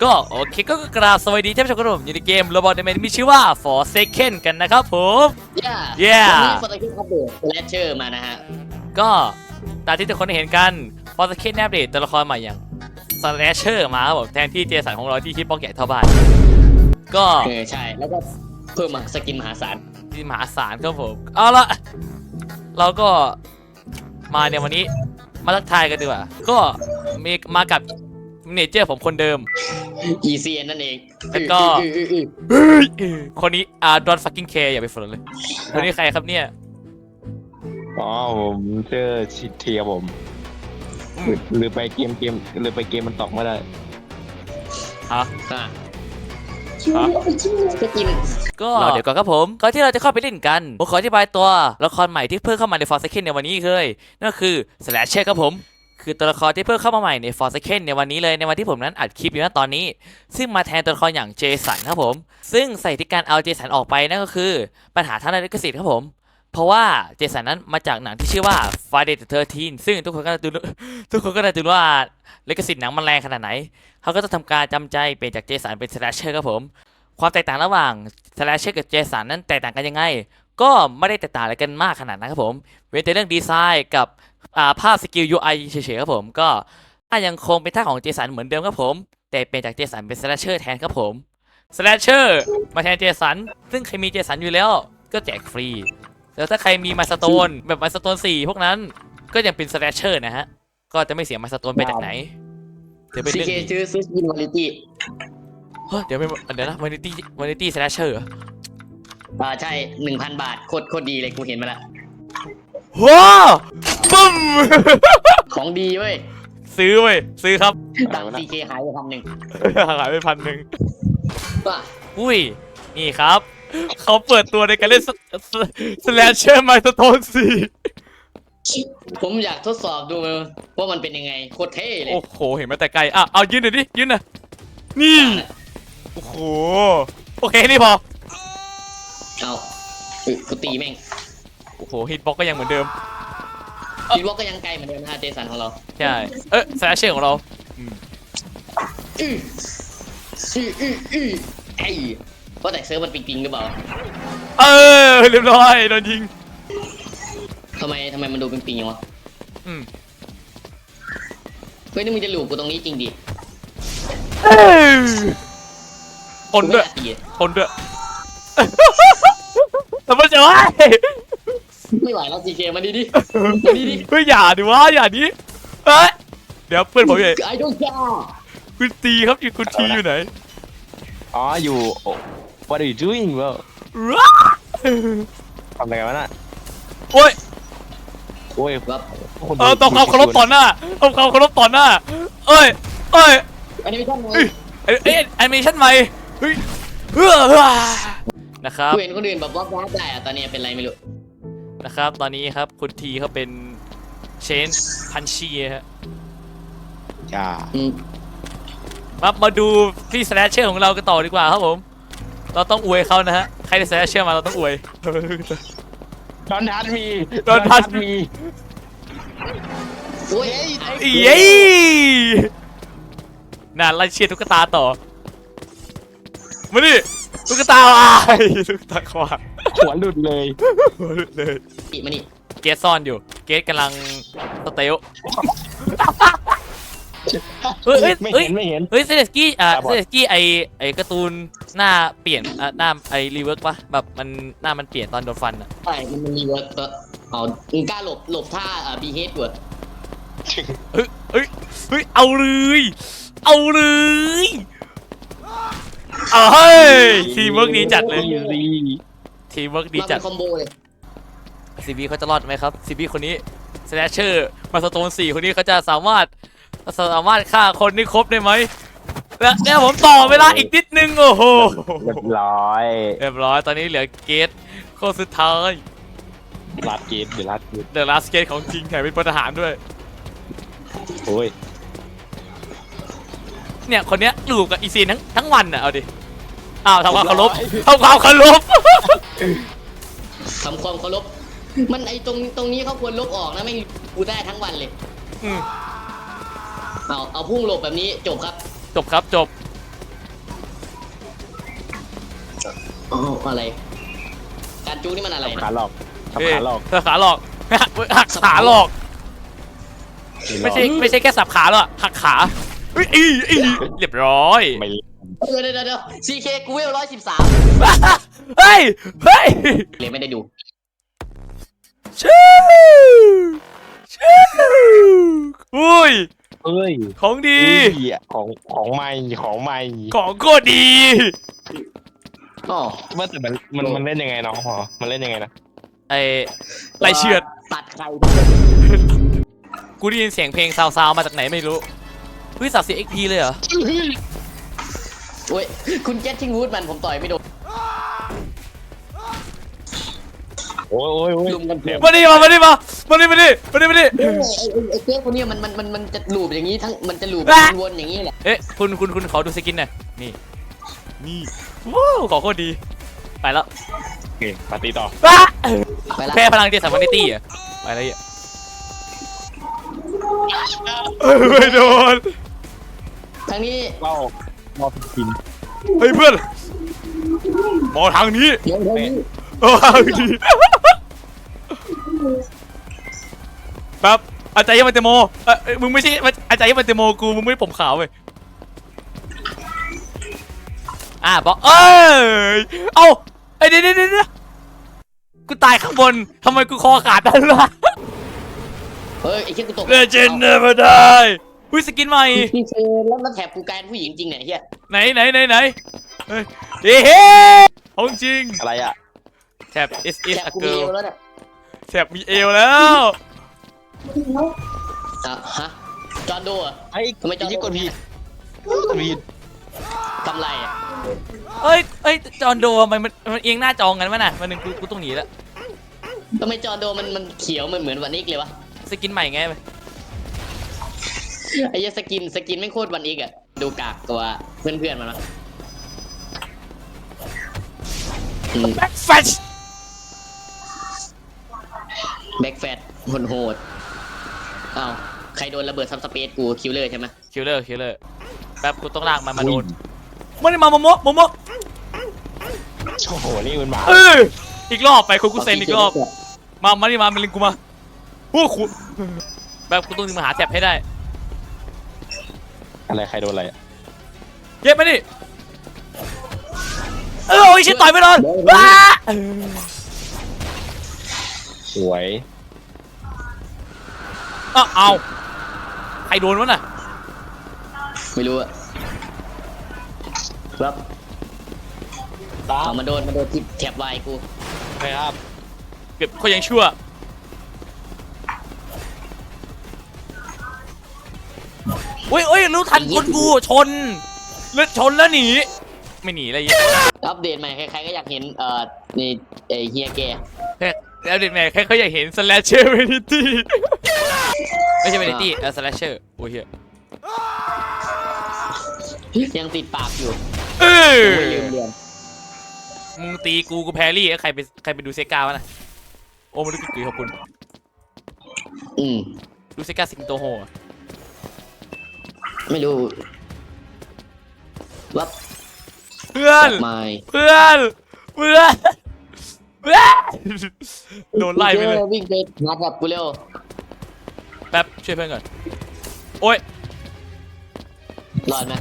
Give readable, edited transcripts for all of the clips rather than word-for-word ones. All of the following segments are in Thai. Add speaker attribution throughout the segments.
Speaker 1: ก็โอเคก็กราบสวัสดีท่านผู้ชมครับผมอยู่ในเกม Roblox ในมีชื่อว่า Forsaken กันนะครับผม
Speaker 2: วันนี้ฟอร์ตคิดอัปเดตแลชเชอร์มานะฮะ
Speaker 1: ก็ตามที่ทุกคนได้เห็นกัน Forsaken อัปเดตตัวละครใหม่อย่าง Slasher มาครับผมแทนที่เจสันของเราที่คิดป้องใหญ่เท่าบ้านก็
Speaker 2: ใช่แล้วก็เพิ่มมาสกินมหาศาล
Speaker 1: ที่มหาศาลครับผมเอาละเราก็มาในวันนี้มาทักทายกันดีกว่าก็มีมากับเนเจอร์ผมคนเดิม
Speaker 2: ECN นั่นเอง
Speaker 1: แล้วก็คนนี้don't fucking care อย่าไปฝืนเลยคนนี้ใครครับเนี่ย
Speaker 3: อ๋อผมชื่อชิดเทียผมหรือไปเกมหรือไปเกมมันตอกไม่ได้
Speaker 1: ฮะ
Speaker 2: สกิน
Speaker 1: ก็เดี๋ยวก่อนครับผมก่อนที่เราจะเข้าไปเล่นกันผมขออธิบายตัวละครใหม่ที่เพิ่มเข้ามาใน Forsaken ในวันนี้เลยนั่นก็คือ Slasher ครับผมคือตัวละครที่เพิ่มเข้ามาใหม่ใน Forsaken ในวันนี้เลยในวันที่ผมนั้นอัดคลิปอยู่ณตอนนี้ซึ่งมาแทนตัวละครอย่างเจสันครับผมซึ่งใส่ที่การเอาเจสันออกไปนั่นก็คือปัญหาทางด้านลิขสิทธิ์ครับผมเพราะว่าเจสันนั้นมาจากหนังที่ชื่อว่า Friday the 13 ซึ่งทุกคนก็จะรู้ว่าลิขสิทธิ์หนังมันแรงขนาดไหนเขาก็จะทำการจำใจเปลี่ยนจากเจสันเป็น Slasher ครับผมความแตกต่างระหว่าง Slasher กับเจสันนั้นแตกต่างกันยังไงก็ไม่ได้แตกต่างอะไรกันมากขนาดนั้นครับผมเว้นแต่เรื่องดีไซน์กับภาพสกิล UI เฉยๆครับผมก็ยังคงเป็นท่าของเจสันเหมือนเดิมครับผมแต่เปลี่ยนจากเจสันเป็น Slasher แทนครับผม Slasher มาแทนเจสันซึ่งใครมีเจสันอยู่แล้วก็แจกฟรีแล้วถ้าใครมีมาสโตนแบบมาสโตน4พวกนั้นก็ยังเป็น Slasher นะฮะก็จะไม่เสียมาสโตนไปจากไหน
Speaker 2: เดี๋ยวเป็นเรื่องซื้อสกินวานิตี้
Speaker 1: เดี๋ยวนะวานิตี้ Slasher
Speaker 2: ใช่ 1,000 บาทโคตรดีเลยกูเห็นมาแล้ว
Speaker 1: ว้าบึ้ม
Speaker 2: ของดีเว้ย
Speaker 1: ซื้อครับ
Speaker 2: ตังค์ CK หายไป
Speaker 1: 1,000หายไป1,000
Speaker 2: ป่ะ
Speaker 1: อุ้ยนี่ครับเขาเปิดตัวในการเล่น Slasher Milestone 4
Speaker 2: ผมอยากทดสอบดูว่ามันเป็นยังไงโคตรเท่เลย
Speaker 1: โอ้โหเห็นมาแต่ไกลเอายืนหน่อยดิยืนหน่อยนี่โอ้โหโอเคนี่พอ
Speaker 2: เอากูตีแม่ง
Speaker 1: โอ้โหฮิตบ็อกก็ยังเหมือนเดิม
Speaker 2: ฮิตบ็อกก็ยังไกลเหมือนเดิมนะเจสันของเรา
Speaker 1: ใช่Slasher ของเรา
Speaker 2: ไอ้เพราะแต่เซิร์ฟมันปิงหรือเปล่า
Speaker 1: เรียบร้อยโดนยิง
Speaker 2: ทำไมมันดูปิงอย่างวะเฮ้ยนี่มึงจะหลูกกูตรงนี้จริงดิ
Speaker 1: คนด้วยทำไมจะวะ
Speaker 2: ไม่ไหวแล้วซีเคมาดิ
Speaker 1: เฮ้ยอย่าดิวะอย่าดิเฮ้ยเดี๋ยวเพื่อนผมอยู่
Speaker 2: ไอ้ดงจ้า
Speaker 1: คุณตีครับคุณทีอยู่ไหน
Speaker 3: อ๋ออยู่ What are you doing bro ทำอะไรกันวะน่ะ
Speaker 1: โอ้ย
Speaker 2: ครับ
Speaker 1: ต้องเขาเคารพต่อหน้าเอ้ย
Speaker 2: แอนิเมชั่นใหม่
Speaker 1: แอนิเมชั่นใหม่เฮ้ยนะครับ
Speaker 2: เห็นคนอื่นแบบว่าได้ตอนนี้เป็นไรไม่รู้
Speaker 1: นะครับตอนนี้ครับคุณทีเขาเป็นเชนพันชีฮะ
Speaker 3: จ้า
Speaker 1: มาดูที่สแลชเชอร์ของเรากันต่อดีกว่าครับผมเราต้องอวยเขานะฮะใครได้สแลชเชอร์มาเราต้องอวย
Speaker 3: Don't touch me
Speaker 2: โอ้ย
Speaker 1: เย้น่าไล่เชียร์ตุ๊กตาต่อมาดิตุ๊กตาขวา
Speaker 3: หัวหลุดเลย
Speaker 2: มานี่
Speaker 1: เกสซ่อนอยู่เกสกำลังสเตล
Speaker 3: ไม่เห็น
Speaker 1: เซเลสกี้ไอการ์ตูนหน้าเปลี่ยนหน้าไอรีเวิร์กปะแบบมันหน้ามันเปลี่ยนตอนโดนฟันอ่ะ
Speaker 2: ใช่มันรีเวิร์กก็เอากล้าหลบท่าบีเฮดเวิร์ด
Speaker 1: เอาเลยทีมเวิร์กดีจัดเลยทีมเวิร์กดีจัด
Speaker 2: คอมโบเลย
Speaker 1: ซีบีเขาจะรอดไหมครับซีบีคนนี้สแลชเชอร์มาสโตน4คนนี้เขาจะสามารถฆ่าคนนี่ครบได้ไหมและเนี่ยผมต่อเวลาอีกนิดนึงโอ้โห
Speaker 3: เรียบร้อย
Speaker 1: ตอนนี้เหลือเกตคนสุดท้าย
Speaker 3: ลาสเกตเดี๋ยวล
Speaker 1: าสเกตของจริงแถมเป็นพลทหารด้วย
Speaker 3: โอ้ย
Speaker 1: เนี่ยคนเนี้ยอยู่กับอีซีนทั้งวันอ่ะเอาดิทำความเคารพทำความเคาร
Speaker 2: พมันไอตรงนี้เขาควรลบออกนะไม่กูได้ทั้งวันเลยเอาพุ่งหลบแบบนี้จบครับอ๋ออะไรการจูนี่มันอะไร
Speaker 3: ขา
Speaker 2: นะ
Speaker 3: หลอกสับขาหลอก
Speaker 1: ขาหลอกหักขาหลอกไม่ใช่แค่สับขาหรอกหักขาเฮ้ยเรียบร้อย
Speaker 3: ไม่
Speaker 2: เดี๋ยวซีเคกูเวล113
Speaker 1: เฮ้ย
Speaker 2: เลยไม่ได้ดู
Speaker 1: ชื่ออุ้ย
Speaker 3: เอ้ย
Speaker 1: ของดี
Speaker 3: ของใหม่
Speaker 1: ของโคตรดี
Speaker 2: อ๋อ
Speaker 3: ว่าแต่มันเล่นยังไงน้องหอมันเล่นยังไงนะ
Speaker 1: ไอ้ไรเฉือด
Speaker 2: ตัดใคร
Speaker 1: กูได้ยินเสียงเพลงซาวๆมาจากไหนไม่รู้เฮ้ยสับเสีย XP เลยเหรอ
Speaker 2: โอ้ยคุณเจสทิงวูดมันผมต่อยไม่โดน
Speaker 3: โอ้ย
Speaker 2: ลุมกันเถอะ
Speaker 1: มาดิไ
Speaker 2: ไอ้เจสคนนี้มันจะลูบอย่างนี้ทั้งมันจะลูบวนๆอย่างนี้แหละ
Speaker 1: เอ๊ะคุณขอดูสกินหน่อยนี่ว้าวของโคตรดีไปแล้ว
Speaker 3: โอเคปาร์ตี้ต่อ
Speaker 2: ไปละ
Speaker 1: แพ้พลังเจสันวานิตี้อ่ะไปแล้วอ่ะไม่โดน
Speaker 2: ทางนี้
Speaker 3: เรากิน
Speaker 1: เฮ้ยเพื่อนมองทางนี้
Speaker 2: เดี๋ยวนี้
Speaker 1: ทางนี้แป๊บอาจารย์มันเตโมมึงไม่ใช่อาจารย์มันเตโมกูมึงไม่ผมขาวเว้ยบอกเอ้าเดี๋ยวกูตายข้างบนทำไมกูคอขาดได้ล่ะ
Speaker 2: เฮ้ยไอ้เชี่ยกูตก
Speaker 1: เลเจนด์เนเวอร์ได้อุ้ยสกินใหม่
Speaker 2: พี่เชนแล้วแถบกูกลายเป็นผู้หญิงจริงเนี่ยเฮีย
Speaker 1: ไหนเฮ้ยของจริง
Speaker 3: อะไรอ่ะ
Speaker 1: แถบ is
Speaker 2: แถบ
Speaker 1: a
Speaker 2: กูมี
Speaker 1: girl
Speaker 2: เอวแล้วเนี่ย
Speaker 1: แถบมีเอวแล้ว
Speaker 2: ฮะจอห์นโดอ่ะ
Speaker 3: ไอ้
Speaker 2: ทำไมจอห์น
Speaker 3: ที่
Speaker 2: โด
Speaker 3: กดผิดผิด
Speaker 2: ทำไรอ่ะ
Speaker 1: เอ้ยจอนโดมันเอียงหน้าจองกันมั้ยน่ะวันหนึ่งกูต้องหนีแล้ว
Speaker 2: ทำไมจอห์นโดมันเขียวเหมือนวันอีกเลยวะ
Speaker 1: สกินใหม่ไง
Speaker 2: ไอ้เหี้ยสกินไม่โคตรวันอีกอ่ะดูกากกว่าเพื่อนมันวะ
Speaker 1: แบ็คแฟช
Speaker 2: แบ็กแฟตโหดอ้าวใครโดนระเบิดซับสเปซกูคิวเลอร์ใช่ไหม
Speaker 1: คิลเลอร์แป๊บกูต้องลากมันมาโดนมันมาโมโม
Speaker 3: โอ้โหนี่มันมา
Speaker 1: อีกรอบไปคุเซนอีกรอบมาดิมาลิงกูมาโอ้ขุแบบกูต้องมาหาแถบให้ได้
Speaker 3: อะไรใครโดนอะไรอ่ะ
Speaker 1: เย็บมาดิโอ้ยชิบต่อยไม่โดนว้า
Speaker 3: สวย
Speaker 1: เอาใครโดนวะน่ะ
Speaker 2: ไม่รู้อะครับเอามาโดนที่แถบวายกู
Speaker 3: ไปครับ
Speaker 1: เก็บเขายังชั่วโอ้ยรู้ทันคนกูชนแล้วหนีไม่หนีอะไรเยอะ
Speaker 2: อัปเดตใหม่ใครๆก็อยากเห็นนี่ไอเฮียแก
Speaker 1: แล้วเด็กแม่แค่เขาอยากเห็น slasher vanity ไม่ใช่ vanity slasher โอ้ยเหี้ย
Speaker 2: ยังติดปากอยู่
Speaker 1: เออ
Speaker 2: ไม่ลืมเรียน
Speaker 1: มึงตีกูแพรรี่ใครไปดูเซกาวะน่ะโอ้มาดูกูขอบคุณ ดูเซกาสิงโตโฮ
Speaker 2: ไม่รู้วับ
Speaker 1: เพื่อน
Speaker 2: ไม่
Speaker 1: โดนไล่ไปเลย
Speaker 2: วิ่งไปงัดกับกูเร็ว
Speaker 1: แป๊บช่วยเพื่อนก่อนโอ้ย
Speaker 2: รอดไหม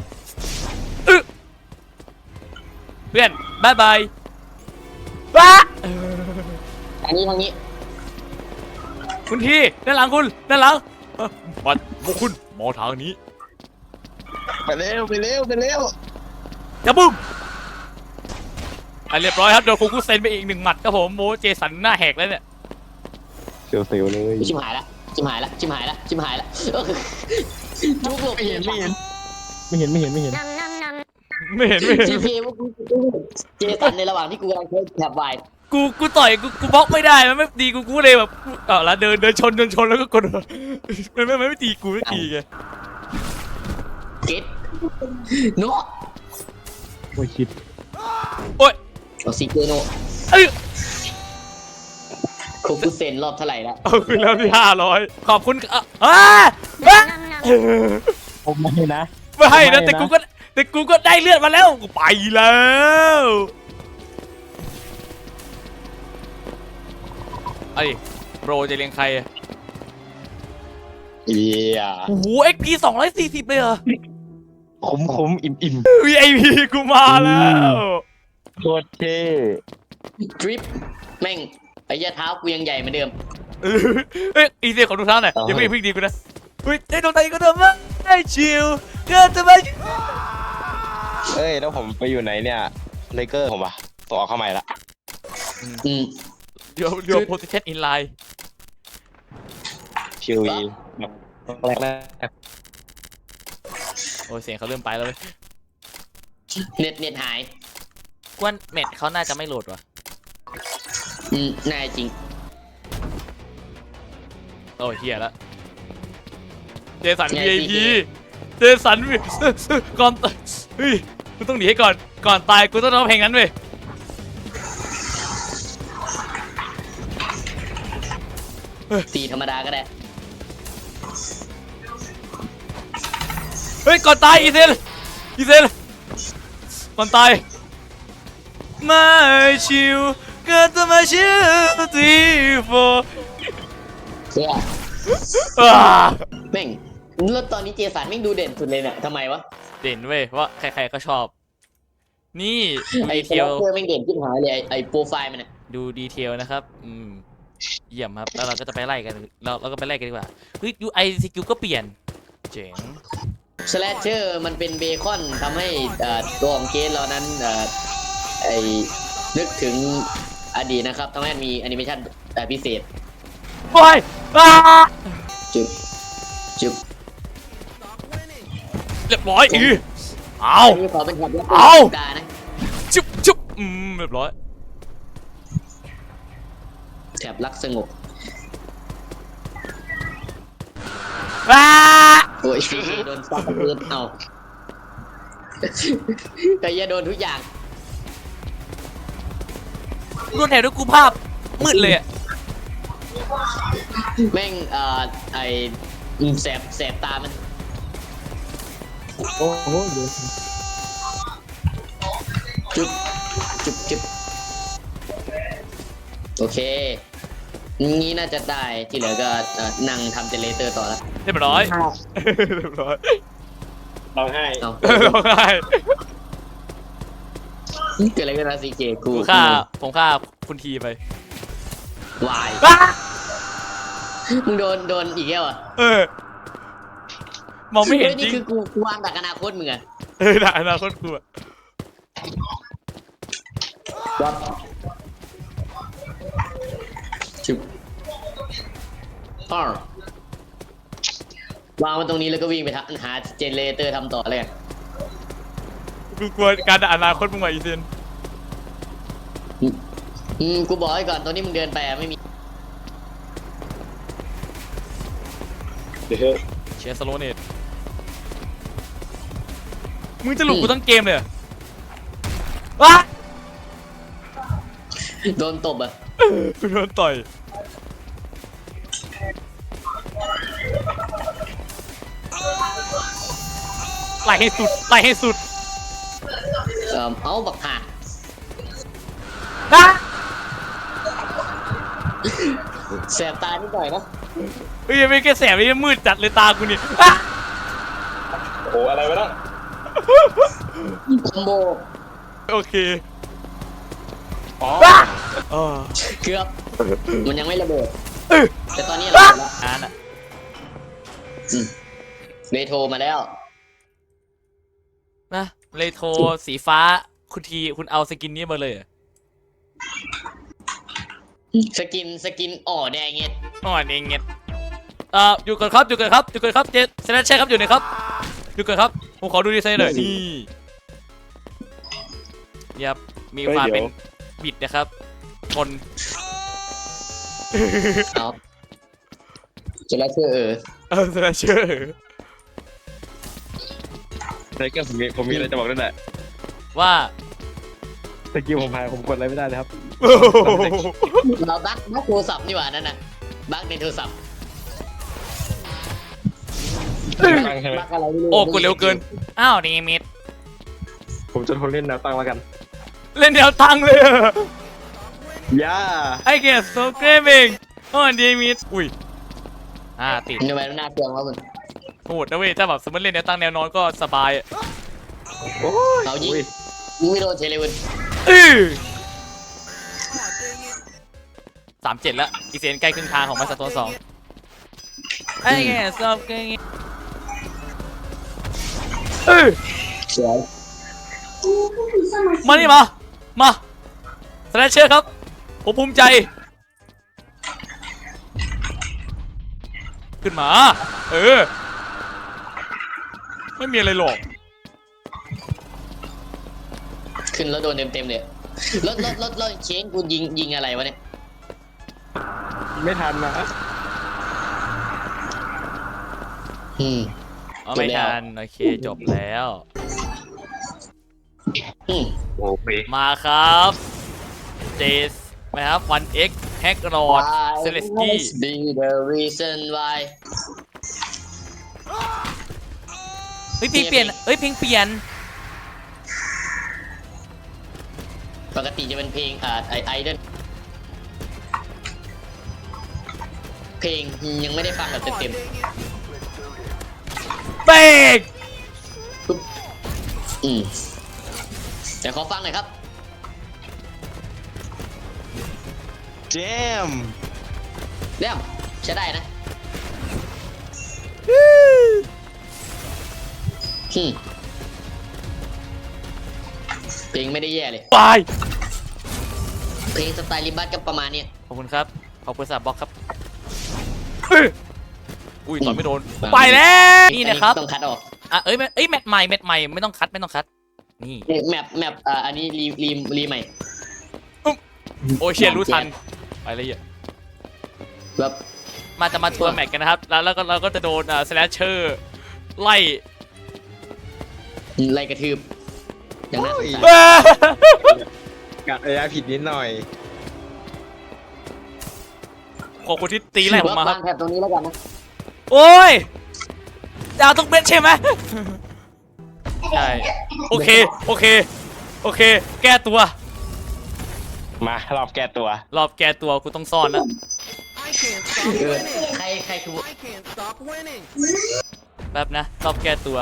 Speaker 1: เพื่อนบายบายว้า
Speaker 2: ทางนี้
Speaker 1: คุณทีด้านหลังคุณด้านหลังบัดพวกคุณมองทางนี้
Speaker 3: ไปเร็ว
Speaker 1: จะบุ้มเรียบร้อยครับโดนฟูกุเซนไปอีก1 หมัดครับผมโมเจสันหน้าแหกแล้วเนี่ย
Speaker 3: เซลเลย
Speaker 2: ชิมหายละจุกหลบ
Speaker 3: ไม่เห็น
Speaker 2: จีพีพวกกูเจสันในระหว่างที่กูกำลังเทสแถบวาย
Speaker 1: กูต่อยกูบล็อกไม่ได้มันไม่ดีกูเลยแบบแล้วเดินชนแล้วก็กดมันไม่ตีกูไม่ตีไง
Speaker 2: เก็ตโน
Speaker 3: โอ้ยชิด
Speaker 1: โอ้ย
Speaker 2: เอาซีเจโนโคกุเซนรอบเท่าไหร่แล้ว
Speaker 1: เอาคืนแล้วที่500ขอบคุณ
Speaker 3: ผมไม่นะ
Speaker 1: ไม่ให้นะแต่กูก็ได้เลือดมาแล้วกูไปแล้วไอ้โปรจะเลี้ยงใครอะ
Speaker 3: เอีย
Speaker 1: โอ้โห XP 240เลยเหรอ
Speaker 3: คุ้มอิ่ม
Speaker 1: VIP กูมาแล้ว
Speaker 3: โคตรเท่
Speaker 2: ทริปแม่งไอ้ยาเท้ากูยังใหญ่เหมือนเดิม
Speaker 1: เฮ้ยอีเซียขอดูเท้าหน่อยอย่าเพิ่งดีกูนะเฮ้ยได้โดนตีก็เดิมว่าได้ชิลเกินจะไป
Speaker 3: เอ้ยแล้วผมไปอยู่ไหนเนี่ยเลเกอร์ผมอะต่อเข้าใหม่ละ
Speaker 2: อืม
Speaker 1: เดี๋ยว position in line
Speaker 3: คิวอีแรก
Speaker 1: โอ้ยเสียงเขาเริ่มไปแล้วเว้ย
Speaker 2: เน็ตหาย
Speaker 1: กวนเม็ดเขาน่าจะไม่โหลดว่ะ
Speaker 2: น่าจริง
Speaker 1: โอ้ยเฮียละเจสัน
Speaker 2: ไง
Speaker 1: VIP
Speaker 2: PK
Speaker 1: เจสันก่อนเฮ้ยกูต้องหนีให้ก่อนตายกูต้องร้องเพลงนั้นเว้ย
Speaker 2: ตีธรรมดาก็ได้
Speaker 1: เฮ้ยก่อนตายอีเซนก่อนตายไม่ชิวเกิดจะมาชิวทีโฟ
Speaker 2: แม่งแล้วตอนนี้เจสันแม่งดูเด่นสุดเลยเนี่ยทำไมวะ
Speaker 1: เด่นเว้ยว่าใครๆก็ชอบ นี่ดู
Speaker 2: ไอ้
Speaker 1: ดี
Speaker 2: เท
Speaker 1: เทล
Speaker 2: ลแม่งเด่นขึ้นหายเลยไอ้โปรไฟล์มันน่ะ
Speaker 1: ดูดีเทลนะครับเยี่ยมครับแล้วเราก็จะไปไล่กันเราก็ไปไล่กันดีกว่าเฮ้ย UI CQ ก็เปลี่ยนเจ๋ง
Speaker 2: สแลชเชอร์มันเป็นเบคอนทำให้ตัวของเกสเรานั้นไอ้นึกถึงอดีตนะครับทำให้มันมีแอนิเมชันพิเศษ
Speaker 1: โอ้ย
Speaker 2: จุ๊บจุ๊บ
Speaker 1: เรียบร้อยเอา
Speaker 2: อันนี้ขอเป็นแบบดานะ
Speaker 1: จุ๊บเรียบร้อย
Speaker 2: แถบรักสงบ
Speaker 1: ว้า
Speaker 2: โอ้ยซีโดนซับเลือดเอาแต่อย่าโดนทุกอย่าง
Speaker 1: รวดแถวด้วยกูภาพมืดเลยอะ
Speaker 2: แม่งไอ้แสบตามันโอ้โหจุ๊บจุ๊บโอเคงี้น่าจะได้ที่เหลือก็นั่งทำเจเนเรเตอร์ต่อแล้ว
Speaker 1: เรียบร้อยเรียบร้อย
Speaker 3: ร้องไห้
Speaker 2: เอา
Speaker 1: ร้องไห้
Speaker 2: เกิดอะไรขึ้นนะซีเคกู
Speaker 1: ผมฆ่าคุณทีไป
Speaker 2: วาย
Speaker 1: ว้า
Speaker 2: มึงโดนอีกแล้วอ่ะ
Speaker 1: มองไม่เห็นจ
Speaker 2: นี่
Speaker 1: ริง
Speaker 2: คือกูวางดักอนาคตมึงอ่ะ
Speaker 1: ด่าอนาคตกูอะ
Speaker 2: จุ๊บวางมันตรงนี้แล้วก็วิ่งไปหาเจเนเรเตอร์ทำต่อเลย
Speaker 1: กูกลัวการด่าอนาคตมึงว่ะอีเซน
Speaker 2: กูบอกไว้ก่อนตอนนี้มึงเดินไปไม่มี
Speaker 1: เชียร์สโลเนตมึงจะหลุดกูทั้งเกมเลยเหรอว้า
Speaker 2: โดนตบอ่ะ
Speaker 1: กูโดนต่อยไล่ให้สุด
Speaker 2: เอาบักห่า
Speaker 1: นะ
Speaker 2: แสบตานิดหน่อยนะ
Speaker 1: เฮ้ยไม่แค่แสบนี่มืดจัดเลยตากูนี่อ่ะ
Speaker 3: โอ้อะไรวะน้อง
Speaker 2: คอมโบ
Speaker 1: โอเค
Speaker 3: อ๋อ
Speaker 2: เกือบมันยังไม่ระเบิดแต่ตอนนี้ระเบิดแล้ว
Speaker 1: อ่านอ่ะ
Speaker 2: เบโทรมาแล้ว
Speaker 1: นะเลยโทรสีฟ้าคุณเอาสกินนี้มาเลยเหรอ
Speaker 2: สกินแดงเงี้ย
Speaker 1: อ๋อเองเงี้ยอยู่ก่อนครับเจสแนชใช่ครับอยู่ไหนครับอยู่ก่อนครับผมขอดูดีไซน์หน่อยนี่ยับมีความเป็นบิดนะครับคน
Speaker 2: เอาจะแล้วเชื่อ
Speaker 1: สแนชเชอร์
Speaker 3: เลเกอร์ผมมีอะไรจะบอกด้วยแหละ
Speaker 1: ว่า
Speaker 3: สกิลผมหายผมกดอะไรไม่ได้เลยครับ
Speaker 2: เราบั๊กโทรศัพท์นี่หว่านั่นน่ะบั๊กในโทรศัพท์บั๊กอะไรไม่รู้
Speaker 1: โอ้กดเร็วเกินอ้าวนี่มิด
Speaker 3: ผมจะทนเล่นแนวตั้งแล้วกัน
Speaker 1: เล่นแนวตั้งเลย
Speaker 3: ย่า
Speaker 1: I get so craving โอ้ดีมิดอุ้ยติด
Speaker 2: ทำไมน่าเกลียดวะมึง
Speaker 1: โหดนะเว้ยถ้าแบบสมมติเล่นแนวตั้งแนวนอนก็สบายอะ
Speaker 3: โอ้ย
Speaker 2: เอายิงยิงไม่โดนเฉยเลยเว้ย
Speaker 1: 37แล้วอีเซนใกล้ครึ่งทางของมาสเตอร์2ไอ้แกชอบเก่ง
Speaker 2: สวย
Speaker 1: มานี่มาสแลชเชอร์ครับผมภูมิใจขึ้นมาไม่มีอะไรหรอก
Speaker 2: ขึ้นแล้วโดนเต็มเลยรถเชนกูยิงอะไรวะเนี่ย
Speaker 3: ไม่ทันนะ
Speaker 1: ไม่ทันโอเคจบแล้ว
Speaker 3: โอ้ย
Speaker 1: มาครับเจสนะครับ 1x แฮกรอดเซเลสกี้
Speaker 2: be the reason why
Speaker 1: เฮ้ยเพลงเปลี่ยนเพลงเปลี่ยน
Speaker 2: ปกติจะเป็นเพลงไอดอลเพลงยังไม่ได้ฟังแบบเต็ม
Speaker 1: เบรก
Speaker 2: ๆเดี๋ยวขอฟังหน่อยครับ
Speaker 3: เจม
Speaker 2: เรื่องใช้ได้นะเพลงไม่ได้แย่เลย
Speaker 1: ไป
Speaker 2: เพลงสไตล์ลิบัสก็ประมาณเนี้ย
Speaker 1: ขอบคุณครับขอบคุณสำหรับบล็อกครับอุ้ยต่อยไม่โดนไปแล้ว นี่นะครับ
Speaker 2: ต้องคัดออก
Speaker 1: แมตช์ใหม่ไม่ต้องคัดนี่
Speaker 2: แมปอันนี้รีใหม่
Speaker 1: โอเชียรู้ทันไปเลยอ่ะ
Speaker 2: แบบ
Speaker 1: จะมาทัวร์แมตช์กันนะครับแล้วก็เราก็จะโดนสแลชเชอร์ไล่
Speaker 2: ไล่กระทืบอย่างนั้น
Speaker 3: กัดระยะผิดนิดหน่อย
Speaker 1: ขอบคุณที่ตีไล่ผมมาครับ
Speaker 2: แถบตรงนี้แล้วกันนะ
Speaker 1: โอ้ยดาวทุกเม็ดใช่ไหมใช่โอเคแก้ตัว
Speaker 3: มารอบแก้ตัว
Speaker 1: รอบแก้ตัวกูต้องซ่อนนะ
Speaker 4: I can't stop winning.
Speaker 2: ใครคือ
Speaker 4: I can't stop winning.
Speaker 1: แป๊บนะรอบแก้ตัว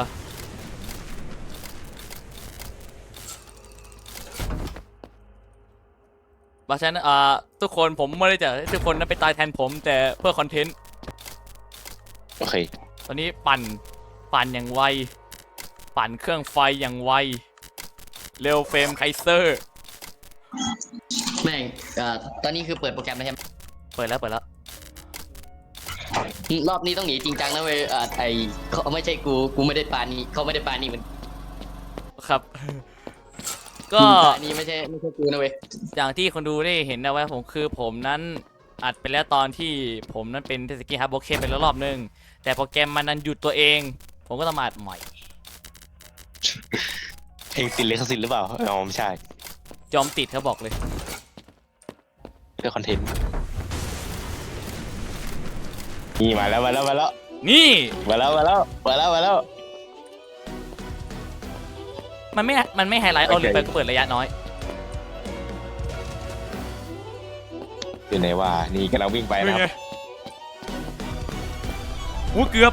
Speaker 1: เพราะฉะนั้นทุกคนผมไม่ได้จะให้ทุกคนนั้นไปตายแทนผมแต่เพื่อคอนเทนต์
Speaker 3: โอเค
Speaker 1: ตอนนี้ปั่นอย่างไวปั่นเครื่องไฟอย่างไวเร็วเฟรมไคเซอร์
Speaker 2: แม่งตอนนี้คือเปิดโปรแกรมแล้วใช่ไหม
Speaker 1: เปิดแล้ว
Speaker 2: รอบนี้ต้องหนีจริงจังนะเว้ยเขาไม่ใช่กูไม่ได้ปานีเขาไม่ได้ปานีเหมือน
Speaker 1: ครับ ก็
Speaker 2: ปานีไม่ใช่กูนะเว้ย
Speaker 1: อย่างที่คนดูได้เห็นนะว่าผมนั้นอัดไปแล้วตอนที่ผมนั้นเป็นเทสกี้ฮับโบเคไปแล้วรอบนึงแต่โปรแกรมมันนั้นหยุดตัวเองผมก็ต้องมาอัดใหม่
Speaker 3: เพลงติดลิขสิทธิ์หรือเปล่าอ๋อไม่ใช่
Speaker 1: ยอมติดเขาบอกเลย
Speaker 3: เพื่อคอนเทนต์นี่มาแล้ว
Speaker 1: นี่ มันไม่ไฮไลท์เอาลิงไปก็เปิดระยะน้อย
Speaker 3: อยู่ไหนวะนี่กำลังวิ่งไป
Speaker 1: เป็น
Speaker 3: นะค
Speaker 1: ไง
Speaker 3: รับ
Speaker 1: โอ้เกือบ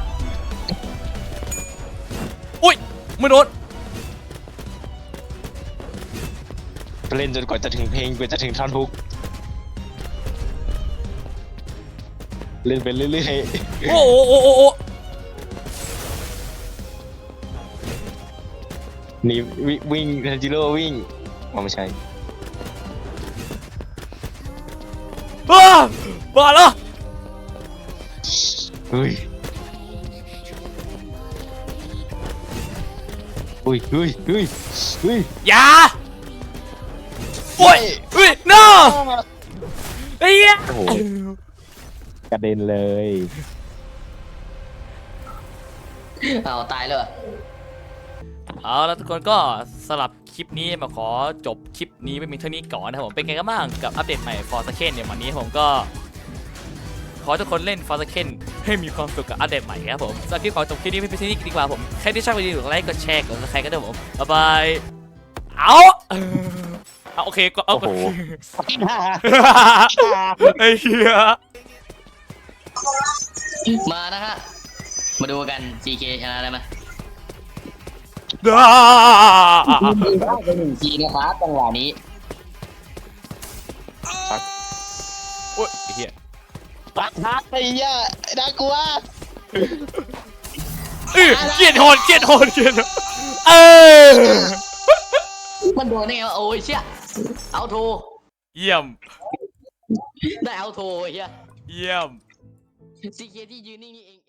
Speaker 1: อุ้ยไม่โดน
Speaker 3: เล่นจนกว่าจะถึงเพลงกว่าจะถึงท่อนฮุกเล่นไปเรื่อย
Speaker 1: โอ้
Speaker 3: ๆนี่วิ่งทันจิโร่วิ่งอ๋อไม่ใช่
Speaker 1: บ้าแล้ว
Speaker 3: เฮ้ย
Speaker 1: อย่าโอ้ยno ไอ้เหี้ย
Speaker 3: โอ้โหกระเด็นเลย
Speaker 2: เอาตายเลย
Speaker 1: เอาแล้วทุกคนก็สลับคลิปนี้มาขอจบคลิปนี้ไปมีเท่านี้ก่อนนะครับผมเป็นไงกันบ้างกับอัปเดตใหม่ Forsaken เนี่ยวันนี้ผมก็ขอทุกคนเล่น Forsaken ให้มีความสุขกับอัปเดตใหม่ครับผมสำหรับคลิปขอจบคลิปนี้ไปที่นี่ดีกว่าผมใครที่ชอบวิดีโอไลค์กดแชร์กดซับสไครต์กันด้วยผมบ๊ายบายเอาเอาโอเคก็เอา
Speaker 3: โอ้โห
Speaker 1: ไอ้เหี้ย
Speaker 2: มานะฮะมาดูกัน CK ชนะได้ไหม
Speaker 1: ด้า
Speaker 2: ไปหนึ่งทีนะครับจังหวะนี้
Speaker 1: โอ้ยไอ้เหี้ย
Speaker 3: ปักฮักไอ้เหี้ยน่ากลัว
Speaker 1: เกลียดโหดเออ
Speaker 2: มันโดนได้ไงวะโอ้ยเชี่ยเอาโทร
Speaker 1: เยี่ยม
Speaker 2: ได้เอาโทรเฮีย
Speaker 1: เยี่ยม
Speaker 2: CK ที่ยืนนิ่งนี่เอง